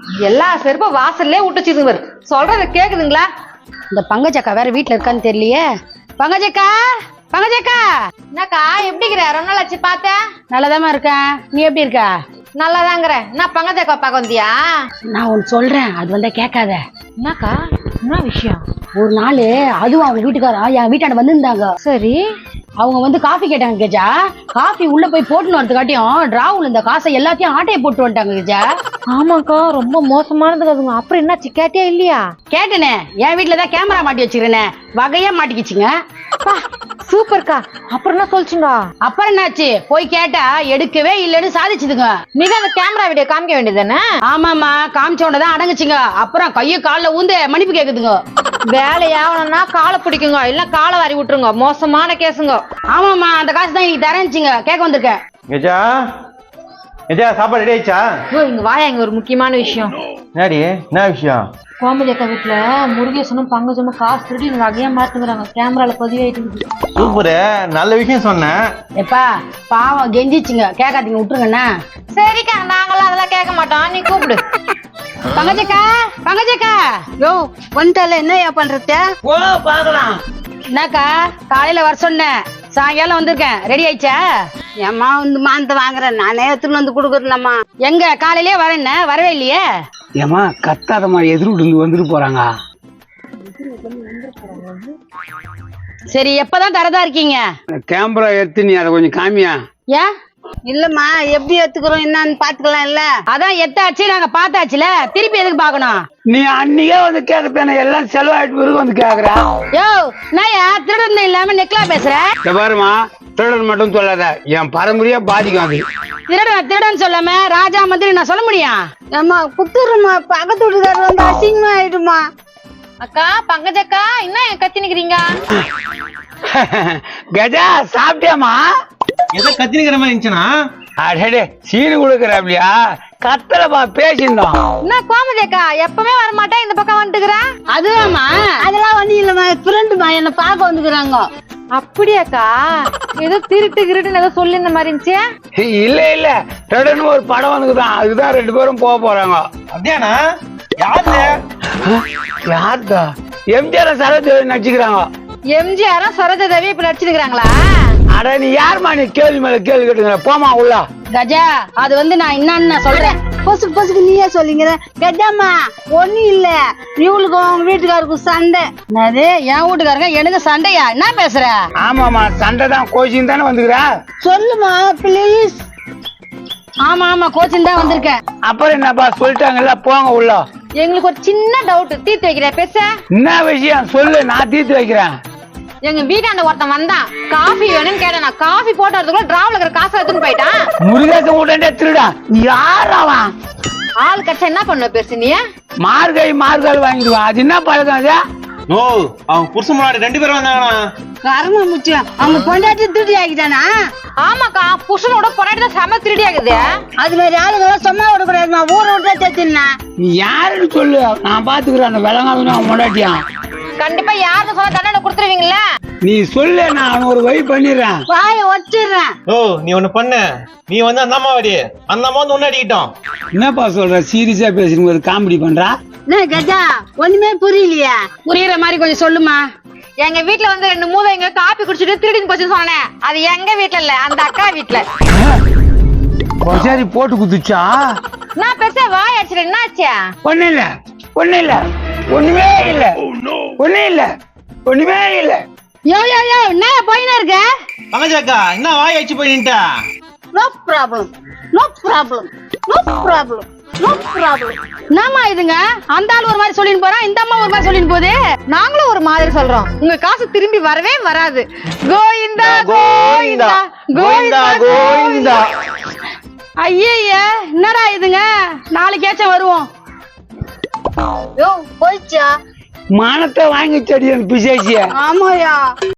எல்லா செருப்பும் வாசல்லே விட்டுச்சுங்க பாரு. சொல்றது கேக்குதுங்களா? இந்த பங்கஜக்கா வேற வீட்டுல இருக்கான்னு தெரியலையே. பங்கஜக்கா, பங்கஜக்கா, என்னக்கா எப்படிங்கிற? ரொம்ப நாள் ஆச்சு பார்த்தேன். நல்லதாமா இருக்கேன். நீ எப்படி இருக்க? நல்லாதாங்கிறேன். என்ன பங்கஜக்கா பார்க்க வந்தியா? நான் ஒன்னு சொல்றேன், அது வந்தா கேட்காத. என்னக்கா என்ன விஷயம்? ஒரு நாள் அதுவும் அவங்க வீட்டுக்காரா என் வீட்டாண்ட வந்திருந்தாங்க. சரி, அவங்க வந்து காஃபி கேட்டாங்க கெஜா. காஃபி உள்ள போய் போட்டுன்னு வரதுக்காட்டியும் டிராவுல இந்த காசை எல்லாத்தையும் ஆட்டையை போட்டு வந்துட்டாங்க கெஜா. ஆமாக்கா, ரொம்ப மோசமானது அதுங்க. அப்புறம் என்னாச்சு, கேட்டியா இல்லையா? கேட்டனே, என் வீட்டுலதான் கேமரா மாட்டி வச்சிருக்கேனே, வகையா மாட்டிக்கிச்சுங்க. சூப்பர்க்கா. அப்புறம் என்ன சொல்லுச்சுங்க? அப்புறம் என்னாச்சு, போய் கேட்டா எடுக்கவே இல்லைன்னு சாதிச்சுதுங்க. நீங்க அந்த கேமரா வீடியோ காமிக்க வேண்டியதானே? ஆமாமா, காமிச்சோடதான் அடங்குச்சுங்க. அப்புறம் கைய கால்ல ஊந்து மன்னிப்பு கேக்குதுங்க. வேலையாவணும்னா காலை பிடிக்குங்க, இல்ல காலை வாரி விட்டுருங்க. மோசமான கேசுங்க. ஆமாமா, அந்த காசு தான் இன்னைக்கு தரேன்னுச்சுங்க, கேட்க வந்திருக்கேன். கெஜா, கெஜா சாப்பாடு ரெடி ஆயிடுச்சா? இங்க வாயா, இங்க ஒரு முக்கியமான விஷயம். என்னடி, என்ன விஷயம்? கோமதி அக்கா வீட்டுல முருகேசனும் பங்கஜமும் காசு திருடி வகையா மாத்துக்கிறாங்க. கேமரால பதிவாயிட்டு. சூப்பரு, நல்ல விஷயம் சொன்னேன். எப்பா பாவம் கெஞ்சிச்சுங்க, கேட்காதீங்க, விட்டுருங்கண்ணா. சரிக்கா, நாங்களாம் அதெல்லாம் கேட்க மாட்டோம். நீ கூப்பிடு. பங்கஜக்கா, பங்கஜக்கா. யோ வந்துட்டால என்னையா பண்றது? ஓ பாக்கலாம். என்னக்கா காலையில வர சொன்னேன், சாயங்காலம் வந்திருக்கேன். ரெடி ஆயிடுச்சா? ஏம்மா வந்து மானத்தை வாங்குறேன், நானே எடுத்துன்னு வந்து கொடுக்குறேன்மா. எங்க காலையிலேயே வரேன்ன, வரவே இல்லையே. ஏமா கத்தாதமா, எதிர்விட்டு வந்துட்டு போறாங்க. சரி, எப்பதான் தரதா இருக்கீங்க? கேமரா எடுத்து நீ அதை கொஞ்சம் காமியா. ஏன்? இல்லம்மா, எப்படி எடுத்துக்கிறோம் என்னன்னு பாத்துக்கலாம் இல்ல. அதான் எத்தாச்சு, நாங்க பார்த்தாச்சுல, திருப்பி எதுக்கு பாக்கணும்? நீ அன்னைக்கே வந்து கேட்கப்பேன, எல்லாம் செலவாயிட்டு பிறகு வந்து கேக்குற. யோ நான் திருடன் இல்லாம நெக்லா பேசுறேன். பாருமா, திருடன் மட்டும் சொல்லாத, என் பரம்பரையா பாதிக்கும் அது. திருடன் சொல்லாம ராஜா மந்திரி நான் சொல்ல முடியும்? ஏம்மா குத்துருமா, பக்கத்து வீட்டுக்காரர் வந்து அசிங்கமா ஆயிடுமா. அக்கா, பங்கஜக்கா, என்ன கத்தி நிக்கிறீங்க? கஜா சாப்பிட்டியாமா? ஏதோ கத்தினிக்கிற மாதிரி இருந்துச்சுன்னா அடே சீனு கொடுக்குறாப்லையா? கத்தலப்பா பேசியிருந்தோம். என்ன கோமதி அக்கா எப்பவுமே வரமாட்டேன், இந்த பக்கம் வந்துக்கிறேன். அதுவாமா? அதெல்லாம் வந்து இல்லம்மா, ஃப்ரெண்டுமா என்ன பார்க்க வந்துக்கிறாங்க. அப்படியாக்கா? ஏதோ திருட்டு கிருட்டுன்னு ஏதோ சொல்லி இந்த மாதிரி இருந்துச்சு. இல்ல இல்ல, திருடன் ஒரு படம் வந்துக்குதான், அதுதான் 2 பேரும் போக போறாங்க. அப்படியாண்ணா? யாரு? யாருதா? எம்ஜிஆர் சரோஜாதேவி நடிச்சுக்கிறாங்க. எம்ஜிஆரும் சரோஜா தேவி இப்ப நடிச்சிருக்காங்களா? அட நீ யாருமா, நீ கேள்வி மேல கேள்வி கேட்டுக்கிற, போமா உள்ள. கஜா, அது வந்து நான் என்னன்னு சொல்றேன். பொசுக்கு பொசுக்கு நீயே சொல்லிங்கிற. கெஜாமா ஒண்ணு இல்ல, இவளுக்கும் அவங்க வீட்டுக்காருக்கும் சண்டை. என்னது, என் வீட்டுக்காரங்க எனக்கு சண்டையா? என்ன பேசுற? ஆமாமா, சண்டை தான், கோச்சிங் தானே வந்துக்கிற. சொல்லுமா ப்ளீஸ். ஆமா ஆமா, கோச்சிங் தான் வந்திருக்கேன். அப்புறம் என்னப்பா சொல்லிட்டாங்கல்ல, போங்க உள்ள. எங்களுக்கு ஒரு சின்ன டவுட், தீர்த்து வைக்கிறேன். பேச என்ன விஷயம் சொல்லு, நான் தீர்த்து வைக்கிறேன். எங்க வீட்டாண்ட ஒருத்தன் வந்தான், காஃபி வேணும்னு கேட்டேன். நான் காஃபி போட்டு வரதுக்குள்ள டிராவல இருக்கிற காசை எடுத்துன்னு போயிட்டான். முருகேசன் உடனே திருடா, யார் அவன்? ஆள் கட்சா என்ன பண்ணுவ பேசு நீ? மார்காய் வாங்கிடுவான், அது என்ன பழக்கம் அது? நோ, அவன் புருஷன் முன்னாடி 2 பேரும் வந்தாங்கண்ணா. கரும முச்சியம், அவங்க பொண்டாட்டி திருடி ஆகிட்டானா? ஆமாக்கா, புருஷனோட பொறாட்டி தான் செம திருடி ஆகுது. அது மாதிரி ஆளுங்கெல்லாம் சும்மா விடக்கூடாதுமா, ஊரை விட்டா தேத்தினா. நீ யாருன்னு சொல்லு, நான் பாத்துக்கிறேன். அந்த விளங்காதுன்னு அவன் முன்னாடியான். கண்டிப்பா யாருன்னு சொன்னா தண்டனை கொடுத்துருவீங்களா? நீ சொல்லு, நான் அவன் ஒரு வழி பண்ணிடுறேன். வாய வச்சிடுறேன். ஓ, நீ ஒண்ணு பண்ணு. நீ வந்து அந்த அம்மாவாடி, அந்த அம்மா வந்து ஒன்னு அடிக்கிட்டோம். என்னப்பா சொல்ற, சீரியஸா பேசுறீங்க, ஒரு காமெடி பண்றா? என்ன கஜா, ஒண்ணுமே புரியலையா? புரியுற மாதிரி கொஞ்சம் சொல்லுமா. எங்க வீட்டுல வந்து 2 மூதைங்க காப்பி குடிச்சிட்டு திருடின்னு போச்சுன்னு சொன்னேன். அது எங்க வீட்டுல இல்ல, அந்த அக்கா வீட்டுல. சரி, போட்டு குத்துச்சா? நான் பெருசா வாய் அடிச்சிட்டேன். என்ன ஆச்சு? ஒண்ணு இல்ல, ஒண்ணு இல்ல, ஒண்ணுமே இல்ல, ஒண்ணு இல்ல, ஒண்ணுமே இல்ல. யோ யோ யோ, என்ன போயினா இருக்க? பங்கஜாக்கா, என்ன வாய் அடிச்சு போய் நின்ட்டா? No problem, no problem, no problem, no problem. என்னம்மா இதுங்க, அந்த ஆள் ஒரு மாதிரி சொல்லின்னு போறான், இந்த அம்மா ஒரு மாதிரி சொல்லின்னு போகுது. நாங்களும் ஒரு மாதிரி சொல்றோம். உங்க காசு திரும்பி வரவே வராது. கோவிந்தா கோவிந்தா கோவிந்தா கோவிந்தா. ஐயா, என்னடா இதுங்க, நாளைக்கேச்சும் வருவோம். யோ போயிச்சா? மானத்தை வாங்கி செடி பிசேசிய. ஆமாயா.